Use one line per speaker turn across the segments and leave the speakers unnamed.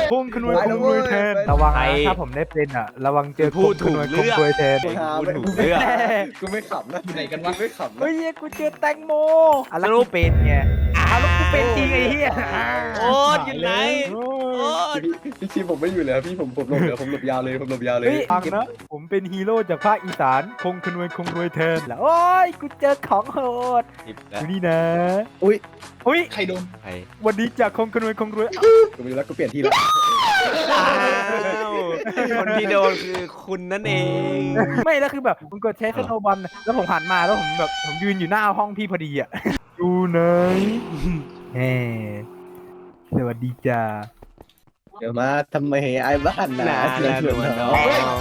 คงขนวยคงรวยแทนระวังนะถ้าผมได้เป็นอ่ะระวังเจอคงขนวยคงรวยแทน
พูดถูกเรื่อง
กูไม่ขำนะ
อยู่ไหนกันวะ
ไม่ขำนะ
เฮ้ยกูเจอแตงโมอะไรกูเป็นไงแล้วกูเป็นจริงไอ้เหี้ย
โอ๊ตอยู่ไหนโอ๊ต
พี่ชีผมไม่อยู่เลยพี่ผมหลบเลยผมหลบยาวเลยผมหลบยาวเลย
เฮ้ยฟังนะผมเป็นฮีโร่จากภาคอีสานคงขนวยคงรวยแทนแล้วโอ้ยกูเจอของโหด
สิบ
อ
แล้ว
ยู่นี่นะ
อุ้ย
อุ้ย
ใครโดน
ใคร
วันนี้จากคงขนวยคงรวย
กูไม่รู้แล้วกูเปลี่ยนที่แล้ว
อ้าวคนที่โดนคือคุณนั่นเอง
ไม่แล้วคือแบบผมกดใช้สโนว์บอลแล้วผมหันมาแล้วผมแบบผมยืนอยู่หน้าห้องพี่พอดีอ่ะอยู่ไหนแหมสวัสดีจ้า
เดี๋ยวมาทำไมไอ้บ้าน
นานแล้วหนวดน้อง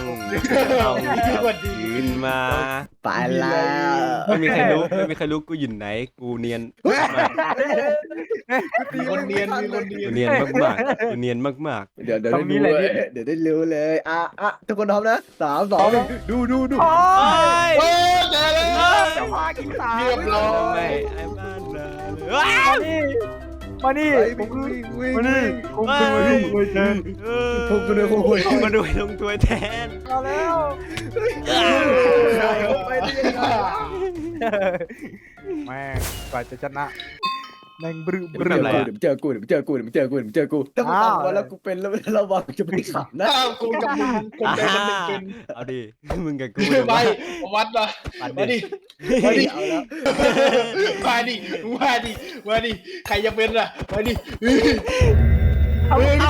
ยืนมา
ไปแล้ว
ไม่มีใครรู้กูอยู่ไหนกูเนียนมาก
มีคนเนียนมีคนเนีย
กู
น
เนียนมากๆกูเนียนมาก
เดี๋ยวได้รู้เลยเดี๋ยวได้รู้เลยทุกคนพร้อมนะ3 2 1ดู
โอ้
ๆ
ย
โอ้เจอแล้ว
จะมากินสา
เรียบร้อย
ไม่ไอ้บ้านเลย
มานี่
วิ่งวิ่งวิ่ง
มานี่คงเป็นวันที่รวยแทน
คงเป็นคงเป็น
มาดูลงตัวแทน
มาแล้ว
ไปได้ยังไง
แม่งกว่าจะชนะแม่งบรึบ
เดี๋ยวเจอกูถ้ามึงทำมาแล้วกูเป็นแล้วระวังจะไม่ขับนะ
อ้าวกูกับมึงคนใดคนหนึ่งเป็น
เอาดิมึงกับกู
ไปวัดมา
ปัด
มา
ดิ
ดิมาดิมาดิมาดิมาดิใครจะเป็นล่ะมาดิ
เอาเอา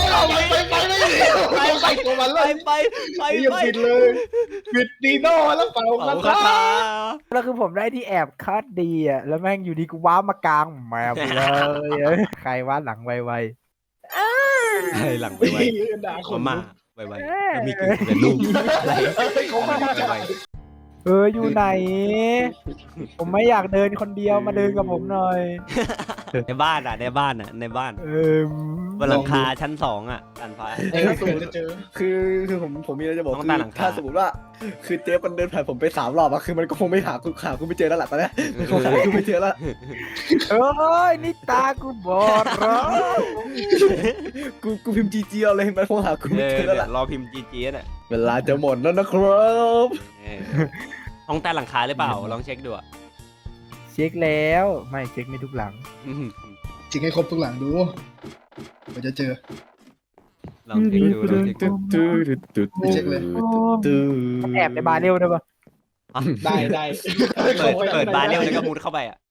ไปตัวมัน
ไป
เลย
ไป
ยังผิดเลยผิดดีโน่แล้วเปล่า
เอา
คา
คา
ถา
ถา
แล้วคือผมได้ที่แอบคัดดีอ่ะแล้วแม่งอยู่ดีกูว้ามากลางแมวไปเลยใครว่าหลังไว
ให้หลังไปไว้
ด่าค
มาน ม่าไวๆแล้วมีกูเป็นลูกอะไร
เขาไม่รู้จัก
ไว
อยู่ไหน ผมไม่อยากเดินคนเดียวมาเดินกับผมหน่อย
ในบ้านในบ้านบนหลังคาชั้น2อ่ะตันฟ้า
จะเจอ
คือผมมีอะไรจะบอก
ต้อง
คือ
ตามหลังคา
ถ้าสมมติว่าคือเจ๊มันเดินผ่านผมไป3 รอบอะคือมันก็คงไม่หากูไม่เจอแล้วแหละตอนนี้มันคงหากูไม่เจอแล้ว
เอ้ยนี่ตากูบอดเหรอ
กูพิมพ์จีจีเอาเลยมันคงหากูไม่เจอแล้วแหละ
รอพิมพ์ GGS อ่ะ
เวลาจะหมดแล้วนะครับ
ห้องใต้หลังคาหรือเปล่าลองเช็คดูอ่ะ
เช็คแล้วไม่เช็คไม่ทุกหลัง
จริงให้ครบทุกหลังดูเราจะเจอ
ลองเช็คดูลองเช็คดู
ไม่เช็คเลย
แอบในบาร์เร็วได้ปะ
ได้
เปิดบาร์เร็วแล้วก็มุดเข้าไปอ่ะ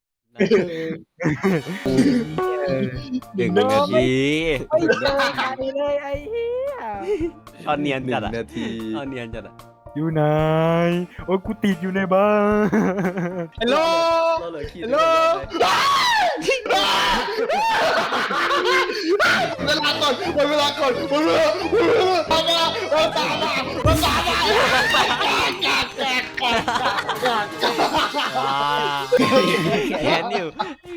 1 นาที
ไม่เจอใครเลยไอ้เหี้ย
ตอนเนียนจัดอ่ะ
1 นาที
ตอนเนียนจัดอ่ะ
อยู่ไหนโอ้ยกูติดอยู่ในบ้าน
ฮัลโหล ฮัลโหลเวลาก่อนวันเวลาก่อนวันเวลาวันตา
แขนอยู่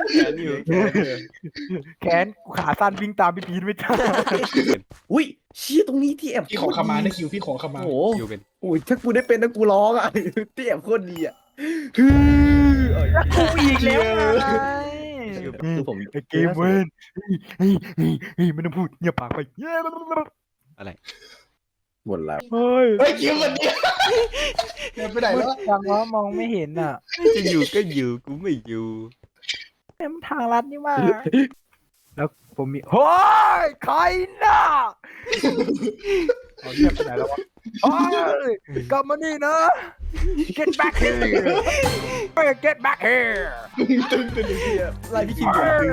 แขนกูขาสั้นวิ่งตามพี่พีทไม่ทัน
อุ้ยเชี่ยตรงนี้ที่แอบ
พี่ขอขมานะคิวพี่ขอขมา
โอ้
อยู่เป็น
โหถ้ากูได้เป็นนะกูร้องอ่ะที่แอบโคตรดีอ่ะคือ
กูอีกแล้วไง
คือผม
ไอ้เกมเว้นเฮ้ยไม่ต้องพูดเงียบปากไป
อะไร
หมดแล้ว
เฮ้ย
เฮ้ยคิววันนี้เดินไปไหน
มื
แล้ว
ดจังวะมองไม่เห็นอ่ะ
จะอยู่ก็อยู่กูไม่อยู่
เต็มทางลัดนี่มาแล้วผมมีเฮ้ยใครน่ะเอาเงียบไปไหนแล้ววะเฮ้ยกลับมานี่นะ get back here get back here
ไล่พี่คิม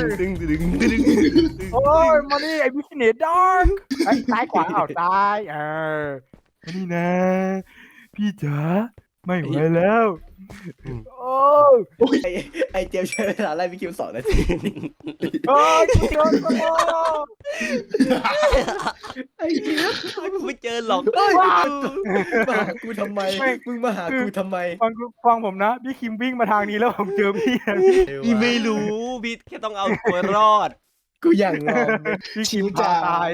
โอ้ยมานี่ไอ้บิสเนสดอกไอ้ซ้ายขวาเอาซ้ายมานี่นะ พี่จ๋าไม่ไหวแล้วโอ้ย
ไอเจมใช้เวลาไล่พี่คิม2 นาที
โอ้ยกูโดนกูโดน
ไอเจม
กูไม่เจอหรอก
มาหากูทำไมมึงมาหากูทำไม
ฟังผมนะพี่คิมวิ่งมาทางนี้แล้วผมเจอพี่นะ
พี่ไม่รู้พี่แค่ต้องเอาตัวรอด
กูอย่างงอม
พี่คิมพาตาย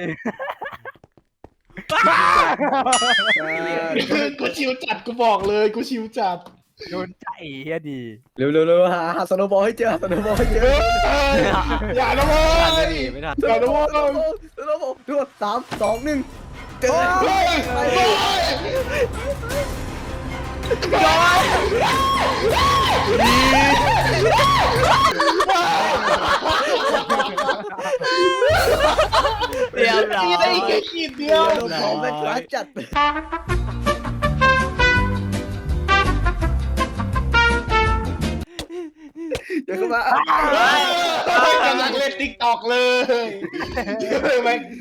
กูชิวจัดกูบอกเลยกูชิวจัด
โดนใจเฮียดี
เร็วหาสโนบอลให้เจอสโนบอลให้เจอ
อย่านะโว้
ทัน
ย
ไม่ทัน
อย่านะโว้ย
สโนบผมทุกคน3 2 1เจอ
เฮ้ยเฮ้ย
เรียบร้อย
ตีได้แค่ขีดเดียว
โดนของแม่ค้าจัดเดี๋ยวเข้ามา
กำลังเล่นติ๊กตอกเลยแม่ง